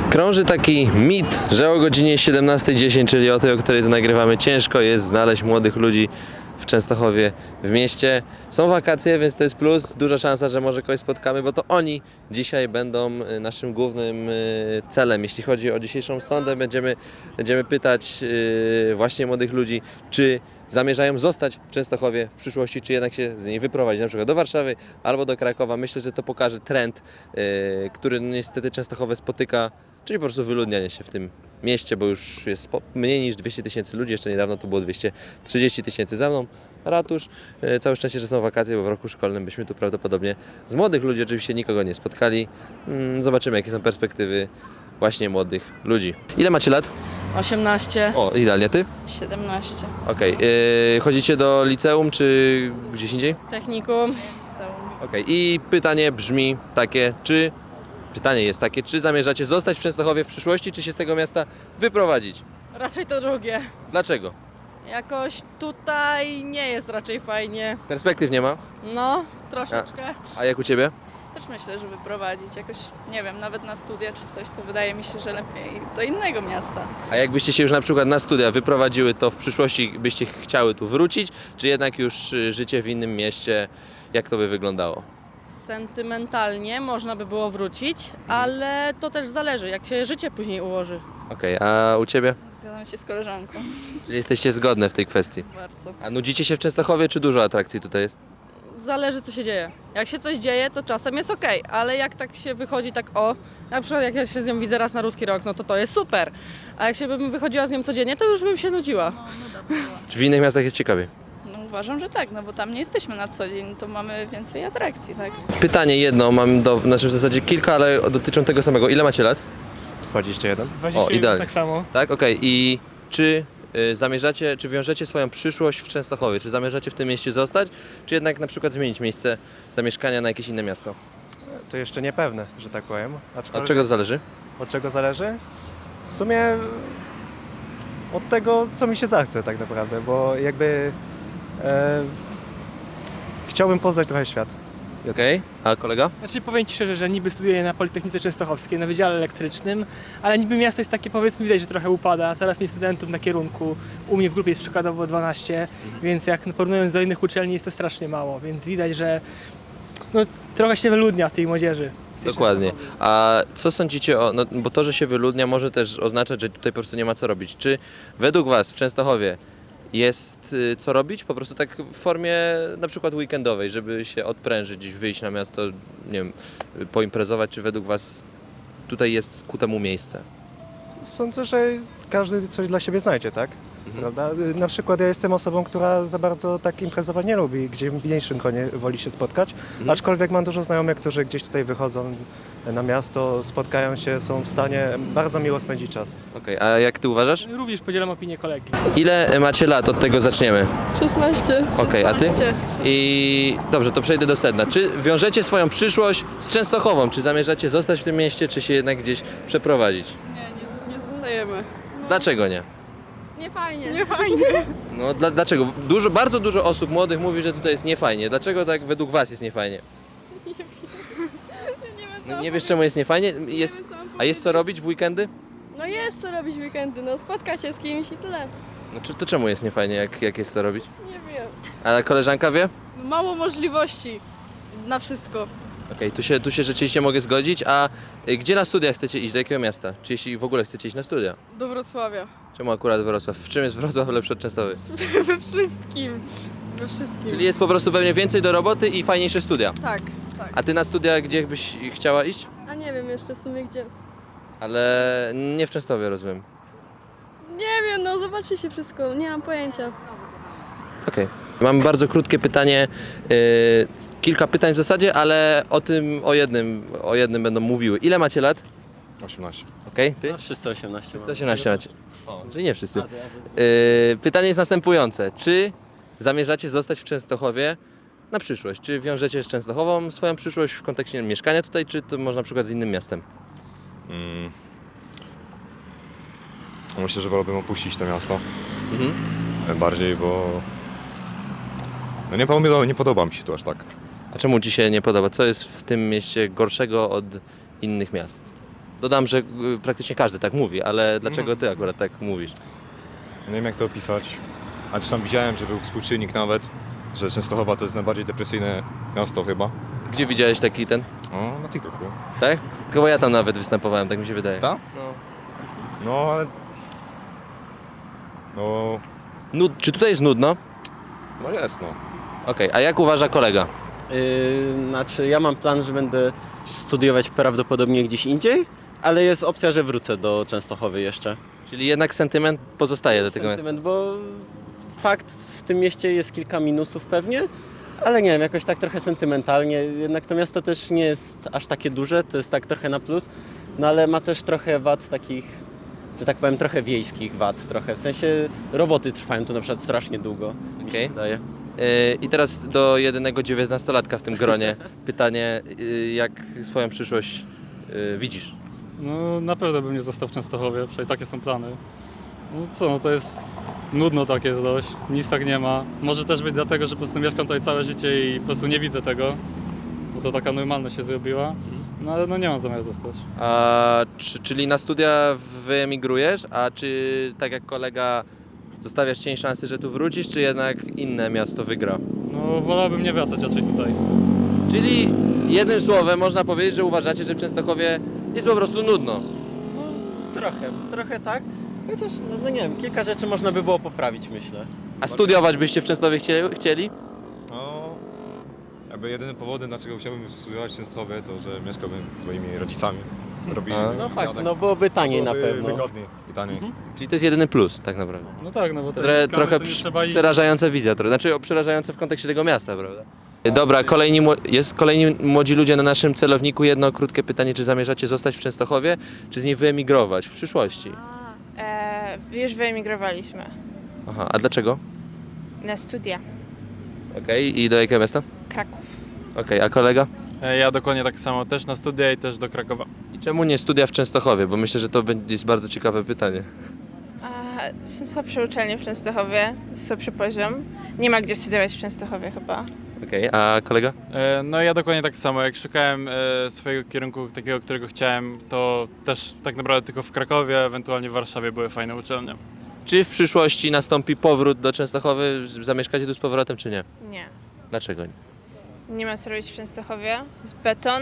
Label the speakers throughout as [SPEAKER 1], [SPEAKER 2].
[SPEAKER 1] Krąży taki mit, że o godzinie 17:10, czyli o tej, o której tu nagrywamy, ciężko jest znaleźć młodych ludzi w Częstochowie, w mieście. Są wakacje, więc to jest plus, duża szansa, że może kogoś spotkamy, bo to oni dzisiaj będą naszym głównym celem. Jeśli chodzi o dzisiejszą sondę, będziemy pytać właśnie młodych ludzi, czy zamierzają zostać w Częstochowie w przyszłości, czy jednak się z niej wyprowadzić, na przykład do Warszawy albo do Krakowa. Myślę, że to pokaże trend, który niestety Częstochowe spotyka, czyli po prostu wyludnianie się w tym mieście, bo już jest mniej niż 200 000 ludzi, jeszcze niedawno to było 230 000 za mną. Ratusz, całe szczęście, że są wakacje, bo w roku szkolnym byśmy tu prawdopodobnie z młodych ludzi oczywiście nikogo nie spotkali. Zobaczymy, jakie są perspektywy właśnie młodych ludzi. Ile macie lat?
[SPEAKER 2] 18.
[SPEAKER 1] O, idealnie, ty?
[SPEAKER 3] 17.
[SPEAKER 1] Okej. Chodzicie do liceum czy gdzieś indziej?
[SPEAKER 2] Technikum.
[SPEAKER 1] Okej. I pytanie brzmi takie, czy zamierzacie zostać w Częstochowie w przyszłości, czy się z tego miasta wyprowadzić?
[SPEAKER 2] Raczej to drugie.
[SPEAKER 1] Dlaczego?
[SPEAKER 2] Jakoś tutaj nie jest raczej fajnie.
[SPEAKER 1] Perspektyw nie ma?
[SPEAKER 2] No, troszeczkę.
[SPEAKER 1] A jak u Ciebie?
[SPEAKER 3] Też myślę, że wyprowadzić jakoś, nie wiem, nawet na studia czy coś, to wydaje mi się, że lepiej do innego miasta.
[SPEAKER 1] A jakbyście się już na przykład na studia wyprowadziły, to w przyszłości byście chciały tu wrócić, czy jednak już życie w innym mieście, jak to by wyglądało?
[SPEAKER 2] Sentymentalnie można by było wrócić, ale to też zależy, jak się życie później ułoży.
[SPEAKER 1] Okej, a u Ciebie?
[SPEAKER 3] Zgadzam się z koleżanką.
[SPEAKER 1] Czyli jesteście zgodne w tej kwestii.
[SPEAKER 3] Bardzo.
[SPEAKER 1] A nudzicie się w Częstochowie, czy dużo atrakcji tutaj jest?
[SPEAKER 2] Zależy, co się dzieje. Jak się coś dzieje, to czasem jest okej, ale jak tak się wychodzi na przykład jak ja się z nią widzę raz na Ruski Rok, no to jest super. A jak się bym wychodziła z nią codziennie, to już bym się nudziła.
[SPEAKER 3] No, nuda była.
[SPEAKER 1] Czy w innych miastach jest ciekawiej?
[SPEAKER 3] No uważam, że tak, no bo tam nie jesteśmy na co dzień, to mamy więcej atrakcji, tak?
[SPEAKER 1] Pytanie jedno, mam w zasadzie kilka, ale dotyczą tego samego. Ile macie lat?
[SPEAKER 4] 21.
[SPEAKER 5] 21
[SPEAKER 1] idealnie.
[SPEAKER 5] tak samo.
[SPEAKER 1] Tak, okej. I czy zamierzacie, czy wiążecie swoją przyszłość w Częstochowie? Czy zamierzacie w tym mieście zostać, czy jednak na przykład zmienić miejsce zamieszkania na jakieś inne miasto?
[SPEAKER 4] To jeszcze niepewne, że tak powiem.
[SPEAKER 1] Od czego to zależy?
[SPEAKER 4] Od czego zależy? W sumie od tego, co mi się zachce tak naprawdę, bo jakby chciałbym poznać trochę świat.
[SPEAKER 1] Okej. A kolega?
[SPEAKER 5] Znaczy powiem Ci szczerze, że niby studiuję na Politechnice Częstochowskiej, na Wydziale Elektrycznym, ale niby miasto jest takie, powiedzmy, widać, że trochę upada, coraz mniej studentów na kierunku, u mnie w grupie jest przykładowo 12, więc jak porównując do innych uczelni jest to strasznie mało, więc widać, że no, trochę się wyludnia tej młodzieży.
[SPEAKER 1] Dokładnie. A co sądzicie o, no bo to, że się wyludnia może też oznaczać, że tutaj po prostu nie ma co robić. Czy według Was w Częstochowie jest co robić? Po prostu tak w formie na przykład weekendowej, żeby się odprężyć, gdzieś wyjść na miasto, nie wiem, poimprezować, czy według Was tutaj jest ku temu miejsce?
[SPEAKER 4] Sądzę, że każdy coś dla siebie znajdzie, tak? Prawda? Na przykład ja jestem osobą, która za bardzo tak imprezować nie lubi, gdzie w mniejszym gronie woli się spotkać, aczkolwiek mam dużo znajomych, którzy gdzieś tutaj wychodzą na miasto, spotkają się, są w stanie bardzo miło spędzić czas.
[SPEAKER 1] Okej, a jak Ty uważasz?
[SPEAKER 5] Również podzielam opinię kolegi.
[SPEAKER 1] Ile macie lat? Od tego zaczniemy.
[SPEAKER 3] 16.
[SPEAKER 1] Okej, a Ty? I dobrze, to przejdę do sedna. Czy wiążecie swoją przyszłość z Częstochową? Czy zamierzacie zostać w tym mieście, czy się jednak gdzieś przeprowadzić?
[SPEAKER 3] Nie zostajemy.
[SPEAKER 1] Dlaczego nie?
[SPEAKER 3] Nie fajnie.
[SPEAKER 2] Nie fajnie.
[SPEAKER 1] No dlaczego? Bardzo dużo osób młodych mówi, że tutaj jest niefajnie. Dlaczego tak według Was jest niefajnie? No, nie wiesz, czemu jest niefajnie? A jest co robić w weekendy?
[SPEAKER 6] No jest co robić w weekendy, no spotka się z kimś i tyle.
[SPEAKER 1] No to czemu jest niefajnie, jak jest co robić?
[SPEAKER 6] Nie wiem.
[SPEAKER 1] A koleżanka wie?
[SPEAKER 6] Mało możliwości na wszystko.
[SPEAKER 1] Okej, tu się rzeczywiście mogę zgodzić. A gdzie na studia chcecie iść? Do jakiego miasta? Czy jeśli w ogóle chcecie iść na studia?
[SPEAKER 6] Do Wrocławia.
[SPEAKER 1] Czemu akurat Wrocław? W czym jest Wrocław lepszy od Częstochowy?
[SPEAKER 6] We wszystkim. We wszystkim.
[SPEAKER 1] Czyli jest po prostu pewnie więcej do roboty i fajniejsze studia.
[SPEAKER 6] Tak, tak.
[SPEAKER 1] A Ty na studia gdzie byś chciała iść?
[SPEAKER 6] A nie wiem jeszcze w sumie gdzie.
[SPEAKER 1] Ale nie w Częstochowie, rozumiem.
[SPEAKER 6] Nie wiem, no zobaczy się wszystko, nie mam pojęcia.
[SPEAKER 1] Okej. Mam bardzo krótkie pytanie, kilka pytań w zasadzie, ale o jednym będą mówiły. Ile macie lat?
[SPEAKER 4] 18.
[SPEAKER 1] Okej, Ty?
[SPEAKER 7] No, wszyscy 18.
[SPEAKER 1] Wszyscy 18 macie. Czyli nie wszyscy. Pytanie jest następujące. Czy zamierzacie zostać w Częstochowie na przyszłość? Czy wiążecie z Częstochową swoją przyszłość w kontekście mieszkania tutaj, czy to może na przykład z innym miastem?
[SPEAKER 8] Myślę, że wolałbym opuścić to miasto.
[SPEAKER 1] Mhm.
[SPEAKER 8] Bardziej, bo no nie podoba mi się tu aż tak.
[SPEAKER 1] A czemu Ci się nie podoba? Co jest w tym mieście gorszego od innych miast? Dodam, że praktycznie każdy tak mówi, ale dlaczego ty akurat tak mówisz?
[SPEAKER 8] Nie wiem jak to opisać. A zresztą widziałem, że był współczynnik nawet, że Częstochowa to jest najbardziej depresyjne miasto chyba.
[SPEAKER 1] Gdzie widziałeś taki ten?
[SPEAKER 8] O, na TikToku.
[SPEAKER 1] Tak? Chyba ja tam nawet występowałem, tak mi się wydaje.
[SPEAKER 8] Tak? No ale... No...
[SPEAKER 1] Czy tutaj jest nudno?
[SPEAKER 8] No jest no.
[SPEAKER 1] Okej, a jak uważa kolega?
[SPEAKER 7] Znaczy, ja mam plan, że będę studiować prawdopodobnie gdzieś indziej, ale jest opcja, że wrócę do Częstochowy jeszcze.
[SPEAKER 1] Czyli jednak sentyment pozostaje do tego miasta.
[SPEAKER 7] Sentyment, bo fakt, w tym mieście jest kilka minusów pewnie, ale nie wiem, jakoś tak trochę sentymentalnie. Jednak to miasto też nie jest aż takie duże, to jest tak trochę na plus, no ale ma też trochę wad takich, że tak powiem, trochę wiejskich wad, trochę. W sensie roboty trwają tu na przykład strasznie długo, mi
[SPEAKER 1] Okej.
[SPEAKER 7] się wydaje.
[SPEAKER 1] I teraz do jedynego 19-latka w tym gronie pytanie, jak swoją przyszłość widzisz?
[SPEAKER 9] No na pewno bym nie został w Częstochowie, przynajmniej takie są plany. No co, no to jest nudno tak jest dość, nic tak nie ma. Może też być dlatego, że po prostu mieszkam tutaj całe życie i po prostu nie widzę tego, bo to taka normalność się zrobiła. No ale no nie mam zamiaru zostać.
[SPEAKER 1] Czyli na studia wyemigrujesz, a czy tak jak kolega zostawiasz cień szansy, że tu wrócisz, czy jednak inne miasto wygra?
[SPEAKER 9] No wolałbym nie wracać raczej tutaj.
[SPEAKER 1] Czyli jednym słowem można powiedzieć, że uważacie, że w Częstochowie jest po prostu nudno.
[SPEAKER 7] Trochę tak. Chociaż, no nie wiem, kilka rzeczy można by było poprawić, myślę.
[SPEAKER 1] A studiować byście w Częstochowie chcieli?
[SPEAKER 8] No... Jakby jedynym powodem, dlaczego chciałbym studiować w Częstochowie, to że mieszkałbym z moimi rodzicami.
[SPEAKER 7] No fakt, no byłoby taniej na pewno.
[SPEAKER 8] Wygodniej i taniej.
[SPEAKER 1] Czyli to jest jedyny plus tak naprawdę.
[SPEAKER 9] No tak, no bo
[SPEAKER 1] Trochę
[SPEAKER 9] to nie trzeba iść.
[SPEAKER 1] przerażająca wizja, znaczy przerażająca w kontekście tego miasta, prawda? Dobra, kolejni młodzi ludzie na naszym celowniku. Jedno krótkie pytanie, czy zamierzacie zostać w Częstochowie, czy z niej wyemigrować w przyszłości?
[SPEAKER 10] Już wyemigrowaliśmy
[SPEAKER 1] Aha, a dlaczego?
[SPEAKER 10] na studia.
[SPEAKER 1] Okej, i do jakiego miasta?
[SPEAKER 10] Kraków.
[SPEAKER 1] Okej, a kolega?
[SPEAKER 9] Ja dokładnie tak samo, też na studia i też do Krakowa.
[SPEAKER 1] I czemu nie studia w Częstochowie? Bo myślę, że to jest bardzo ciekawe pytanie.
[SPEAKER 10] Są słabsze uczelnie w Częstochowie, słabszy poziom. Nie ma gdzie studiować w Częstochowie chyba.
[SPEAKER 1] Okej, a kolega?
[SPEAKER 9] No ja dokładnie tak samo, jak szukałem swojego kierunku, takiego, którego chciałem, to też tak naprawdę tylko w Krakowie, ewentualnie w Warszawie były fajne uczelnie.
[SPEAKER 1] Czy w przyszłości nastąpi powrót do Częstochowy? Zamieszkacie tu z powrotem, czy nie?
[SPEAKER 10] Nie.
[SPEAKER 1] Dlaczego nie?
[SPEAKER 10] Nie ma co robić w Częstochowie. Jest beton.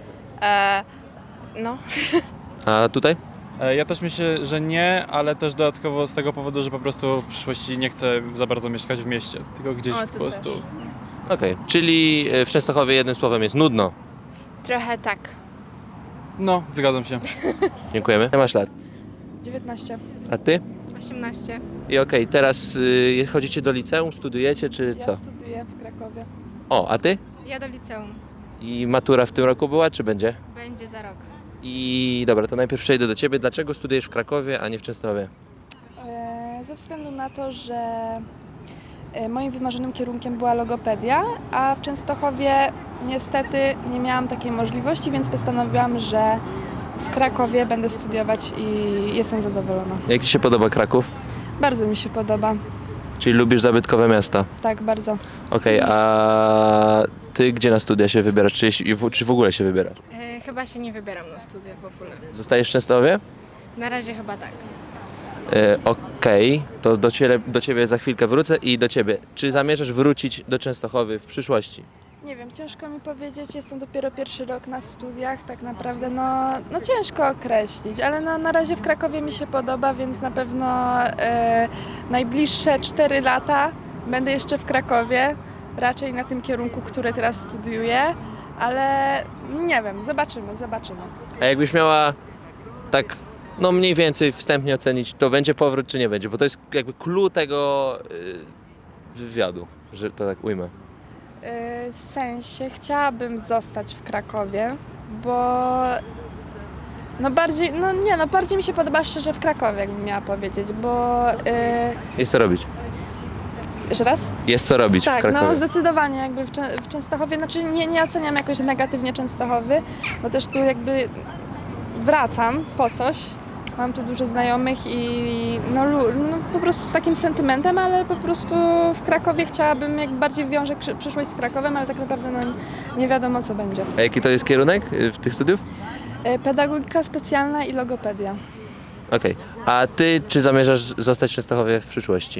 [SPEAKER 10] No.
[SPEAKER 1] A tutaj?
[SPEAKER 9] Ja też myślę, że nie, ale też dodatkowo z tego powodu, że po prostu w przyszłości nie chcę za bardzo mieszkać w mieście, tylko gdzieś
[SPEAKER 10] O, to
[SPEAKER 9] po prostu.
[SPEAKER 10] też.
[SPEAKER 1] Okej, czyli w Częstochowie jednym słowem jest nudno.
[SPEAKER 10] Trochę tak.
[SPEAKER 9] No, zgadzam się.
[SPEAKER 1] Dziękujemy. Ile masz lat?
[SPEAKER 6] 19.
[SPEAKER 1] A ty?
[SPEAKER 6] 18.
[SPEAKER 1] I okej, teraz chodzicie do liceum, studiujecie, czy co?
[SPEAKER 6] studiuję w Krakowie.
[SPEAKER 1] O, a ty?
[SPEAKER 6] Ja do liceum.
[SPEAKER 1] I matura w tym roku była, czy będzie?
[SPEAKER 6] Będzie za rok.
[SPEAKER 1] I dobra, to najpierw przejdę do ciebie. Dlaczego studujesz w Krakowie, a nie w Częstochowie?
[SPEAKER 6] Ze względu na to, że moim wymarzonym kierunkiem była logopedia, a w Częstochowie niestety nie miałam takiej możliwości, więc postanowiłam, że w Krakowie będę studiować i jestem zadowolona.
[SPEAKER 1] Jak ci się podoba Kraków?
[SPEAKER 6] Bardzo mi się podoba.
[SPEAKER 1] Czyli lubisz zabytkowe miasta?
[SPEAKER 6] Tak, bardzo.
[SPEAKER 1] Okej, a ty gdzie na studia się wybierasz? Czy w ogóle się wybierasz?
[SPEAKER 6] Chyba się nie wybieram na studia w ogóle.
[SPEAKER 1] Zostajesz w Częstochowie?
[SPEAKER 6] Na razie chyba tak.
[SPEAKER 1] Okej, to do ciebie za chwilkę wrócę i do ciebie. Czy zamierzasz wrócić do Częstochowy w przyszłości?
[SPEAKER 6] Nie wiem, ciężko mi powiedzieć, jestem dopiero pierwszy rok na studiach, tak naprawdę no ciężko określić, ale na razie w Krakowie mi się podoba, więc na pewno najbliższe 4 lata będę jeszcze w Krakowie, raczej na tym kierunku, który teraz studiuję, ale nie wiem, zobaczymy.
[SPEAKER 1] A jakbyś miała tak, no mniej więcej wstępnie ocenić, to będzie powrót czy nie będzie? Bo to jest jakby clue tego wywiadu, że to tak ujmę.
[SPEAKER 6] W sensie chciałabym zostać w Krakowie, bo bardziej mi się podoba szczerze w Krakowie, jakbym miała powiedzieć, bo
[SPEAKER 1] Jest co robić.
[SPEAKER 6] jeszcze raz?
[SPEAKER 1] Jest co robić w
[SPEAKER 6] Tak,
[SPEAKER 1] Krakowie.
[SPEAKER 6] no zdecydowanie jakby w Częstochowie, znaczy nie oceniam jakoś negatywnie Częstochowy, bo też tu jakby wracam po coś. Mam tu dużo znajomych i no po prostu z takim sentymentem, ale po prostu w Krakowie chciałabym, jak bardziej wiążę przyszłość z Krakowem, ale tak naprawdę no, nie wiadomo co będzie.
[SPEAKER 1] A jaki to jest kierunek tych studiów?
[SPEAKER 6] Pedagogika specjalna i logopedia.
[SPEAKER 1] Okej. A ty, czy zamierzasz zostać w Częstochowie w przyszłości?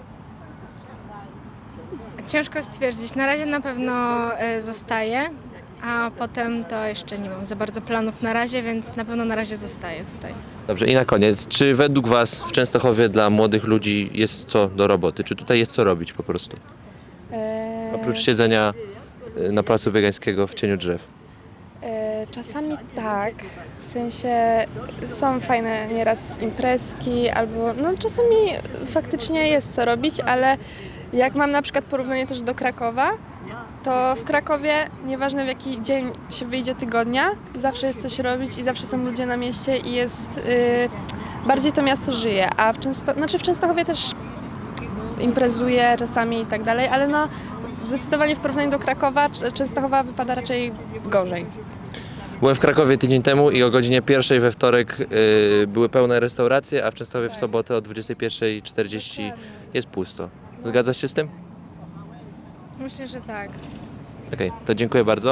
[SPEAKER 11] Ciężko stwierdzić. Na razie na pewno zostaję, a potem to jeszcze nie mam za bardzo planów na razie, więc na pewno na razie zostaję tutaj.
[SPEAKER 1] Dobrze, i na koniec, czy według was w Częstochowie dla młodych ludzi jest co do roboty? Czy tutaj jest co robić po prostu? Oprócz siedzenia na placu Biegańskiego w cieniu drzew.
[SPEAKER 6] Czasami tak, w sensie są fajne nieraz imprezki albo no czasami faktycznie jest co robić, ale jak mam na przykład porównanie też do Krakowa, to w Krakowie nieważne w jaki dzień się wyjdzie tygodnia, zawsze jest coś robić i zawsze są ludzie na mieście i jest bardziej to miasto żyje, a w Częstochowie też imprezuje czasami i tak dalej, ale no zdecydowanie w porównaniu do Krakowa Częstochowa wypada raczej gorzej.
[SPEAKER 1] Byłem w Krakowie tydzień temu i o godzinie 1 we wtorek były pełne restauracje, a w Częstochowie w sobotę o 21:40 jest pusto. Zgadzasz się z tym?
[SPEAKER 11] Myślę, że tak.
[SPEAKER 1] Okej, to dziękuję bardzo.